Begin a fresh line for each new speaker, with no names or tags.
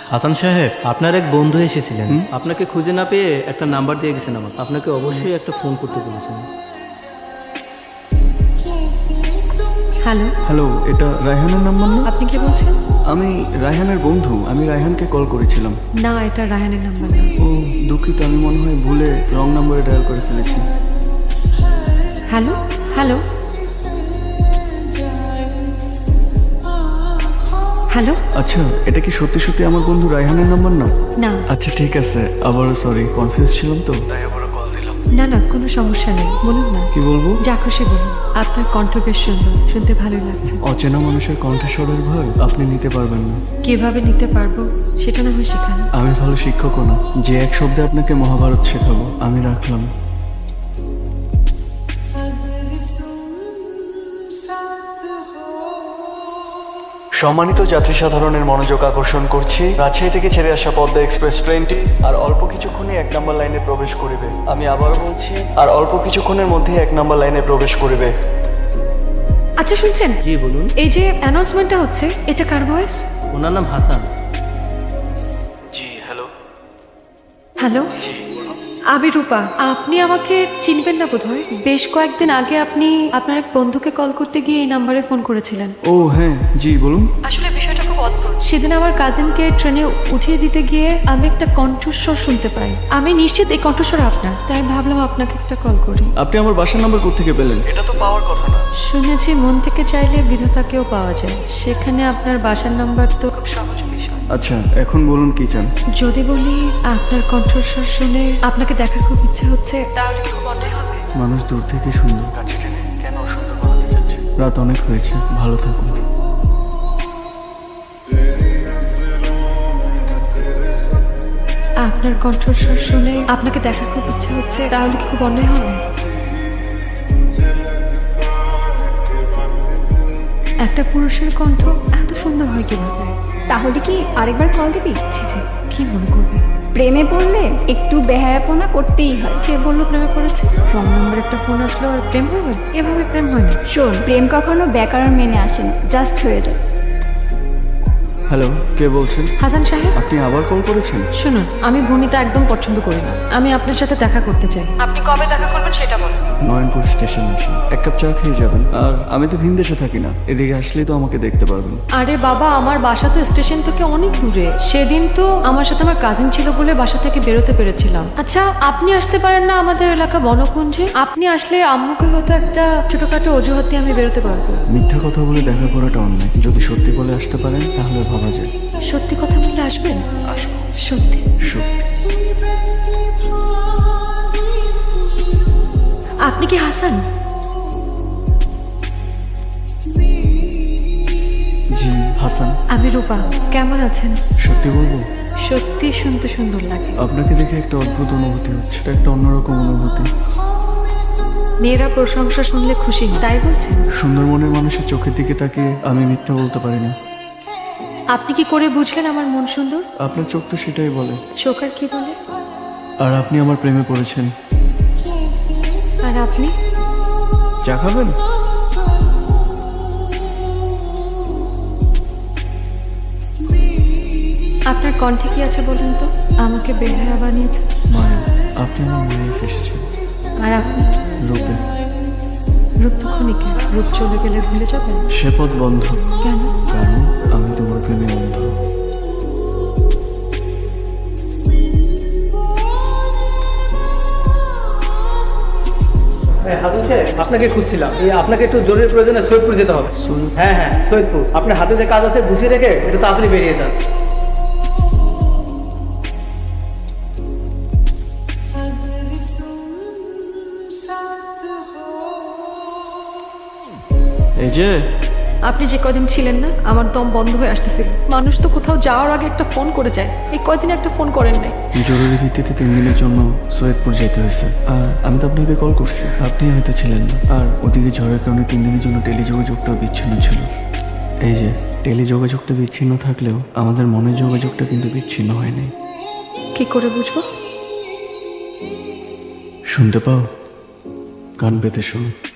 হাসান সাহেব, আপনার এক বন্ধু এসেছিলেন, আপনাকে খুঁজে না পেয়ে একটা নাম্বার দিয়ে গেছেন আমাকে। আপনাকে অবশ্যই একটা ফোন করতে বলেছেন।
হ্যালো,
হ্যালো, এটা রায়হানের নাম্বার না?
আপনি কি বলছেন?
আমি রায়হানের বন্ধু। আমি রায়হানকে কল করেছিলাম।
না, এটা রায়হানের নাম্বার না।
ও দুঃখিত, আমি মনে হয় ভুলে রং নাম্বারে ডায়াল করে ফেলেছি।
Hello hello hello.
আচ্ছা, এটা কি সত্যি সত্যি আমার বন্ধু রায়হানের নাম্বার না?
না
আচ্ছা ঠিক আছে, আবারও সরি, কনফিউজ ছিলাম তো তাই আবারও কল দিলাম।
না না, কোনো সমস্যা নেই, বলুন না।
কি বলবো?
যা খুশি বলুন। আপনার কণ্ঠ বেশ সুন্দর, শুনতে ভালো লাগছে।
অচেনা মানুষের কণ্ঠস্বরের ভয় আপনি নিতে পারবেন না।
কিভাবে নিতে পারবো সেটা না হয় শেখান।
আমি ভালো শিক্ষকও না যে এক শব্দে আপনাকে মহাভারত শেখাবো। আমি রাখলাম। সম্মানিত যাত্রী সাধারণের মনোযোগ আকর্ষণ করছি, রাজশাহী থেকে ছেড়ে আসা পদ্মা এক্সপ্রেস ট্রেনটি আর অল্প কিছুক্ষণে 1 নম্বর লাইনে প্রবেশ করিবে। আমি আবারও বলছি, আর অল্প কিছুক্ষণের মধ্যে 1 নম্বর লাইনে প্রবেশ করিবে।
আচ্ছা শুনছেন?
জি বলুন।
এই যে অ্যানাউন্সমেন্টটা হচ্ছে, এটা কার ভয়েস?
ওনার নাম হাসান।
জি হ্যালো।
হ্যালো,
জি
আমি রূপা। আপনি আমাকে চিনবেন না বোধহয়। বেশ কয়েকদিন আগে আপনি আপনার এক বন্ধুকে কল করতে গিয়ে এই নাম্বারে ফোন করেছিলেন।
ও হ্যাঁ, জি বলুন।
আসলে বিষয়টা খুব অদ্ভুত। সেদিন আমার কাজিনকে ট্রেনে উঠিয়ে দিতে গিয়ে আমি একটা কণ্ঠস্বর শুনতে পাই। আমি নিশ্চিত এই কণ্ঠস্বর আপনার, তাই ভাবলাম আপনাকে একটা কল করি।
আপনি আমার বাসার নাম্বার কোত্থেকে পেলেন? এটা তো পাওয়ার কথা না।
শুনেছি মন থেকে চাইলে বিধাতাকেও পাওয়া যায়, সেখানে আপনার বাসার নাম্বার তো খুব সহজ বিষয়।
আচ্ছা এখন বলুন কি চান?
যদি বলি আপনার কণ্ঠস্বর শুনে আপনাকে দেখার খুব ইচ্ছে হচ্ছে, তাহলে কি খুব অন্যায় হবে?
মানুষ দূর থেকে সুন্দর, কাছে টেনে কেন অসুন্দর বানাতে যাচ্ছে? রাত অনেক হয়েছে, ভালো থাকুন।
আপনার কণ্ঠস্বর শুনে আপনাকে দেখার খুব ইচ্ছে হচ্ছে, তাহলে কি খুব অন্যায় হবে? একটা পুরুষের কণ্ঠ এত সুন্দর হয় কিভাবে?
তাহলে কি আরেকবার কল দিবি?
ছি ছি, কি মনে করবে?
প্রেমে পড়লে একটু বেহায়াপনা করতেই হয়।
কে বললো প্রেমে পড়েছে? রং নাম্বার একটা ফোন আসলো আর প্রেম হয়ে গেল? এভাবে প্রেম হয় না।
শোন, প্রেম কখনো ব্যাকরণ মেনে আসে না, জাস্ট হয়ে যায়।
হ্যালো, কে বলছেন?
হাসান সাহেব,
আপনি আবার কল করেছেন?
শুনুন, আমি ভনিতা একদম পছন্দ করি না। আমি আপনার সাথে দেখা করতে চাই। আপনি কবে দেখা করবেন সেটা বলুন।
নয়নপুর স্টেশন আসেন, 1 কাপ চা খেয়ে যাবেন। আর আমি তো ভিনদেশে থাকি না, এদিকে আসলেই তো আমাকে দেখতে পারবেন।
আরে বাবা, আমার বাসা তো স্টেশন থেকে অনেক দূরে। সেদিন তো আমার সাথে আমার কাজিন ছিল বলে বাসা থেকে বেরোতে পেরেছিলাম। আচ্ছা, আপনি আসতে পারেন না আমাদের এলাকা বনকুঞ্জে? আপনি আসলে আম্মুকে হয়তো একটা ছোটখাটো অজুহাত দিয়ে আমি বেরোতে পারবো।
মিথ্যা কথা বলে দেখা করাটা অন্যায়। যদি সত্যি বলে আসতে পারেন তাহলে ভাবা যায়।
সত্যি কথা বললে আসবেন?
আসবো।
সত্যি?
সত্যি।
আপনি কি হাসান?
জি হাসান।
আমি রূপা। কেমন আছেন?
সত্যি বলবো,
সত্যি শুনতে সুন্দর লাগে।
আপনাকে দেখে একটা অদ্ভুত অনুভূতি হচ্ছে। এটা একটা অন্যরকম অনুভূতি।
মেয়েরা প্রশংসা শুনলে খুশি হয়, তাই বলছেন?
সুন্দর মনের মানুষের চোখের দিকে তাকিয়ে আমি মিথ্যা বলতে পারি না।
আপনি কি করে বুঝলেন আমার মন সুন্দর?
আপনার চোখ তো সেটাই বলে।
চোখ আর কি বলে?
আর আপনি আমার প্রেমে পড়েছেন।
আর আপনি?
চা খাবেন?
আপনার কণ্ঠে কি আছে বলুন তো? আমাকে বেহায়া বানিয়েছে।
মায়া, আপনি আমার মায়ে ফেসেছেন।
আর আপনি?
রূপে।
রূপ তো ক্ষণিকের, রূপ চলে গেলে ভুলে যাবেন।
সে পথ বন্ধ।
কেন?
কারণ আমি তোমার প্রেমে অন্ধ।
হাসান সাহেব, আপনাকে খুঁজছিলাম। আপনাকে একটু জরুরি প্রয়োজনে সৈয়দপুর যেতে হবে। হ্যাঁ হ্যাঁ, সৈয়দপুর। আপনার হাতে যে কাজ আছে বুঝিয়ে রেখে একটু তাড়াতাড়ি বেরিয়ে যান।
এই যে
আপনি যে কদিন ছিলেন না, আমার দম বন্ধ হয়ে আসতেছিল। মানুষ তো কোথাও যাওয়ার আগে একটা ফোন করে যায়, এই কয়দিন একটা ফোন করেন নাই।
জরুরি ভিত্তিতে 3 দিনের জন্য সৈয়দপুর যেতে হয়েছে। আর আমি তো আপনাকে কল করছি, আপনি হয়তো ছিলেন না। আর ওদিকে ঝড়ের কারণে 3 দিনের জন্য টেলিযোগাযোগটাও বিচ্ছিন্ন ছিল। এই যে টেলিযোগাযোগটা বিচ্ছিন্ন থাকলেও আমাদের মনের যোগাযোগটা কিন্তু বিচ্ছিন্ন হয়নি।
কি করে বুঝবো?
শুনতে পাও? কান পেতে শোনো।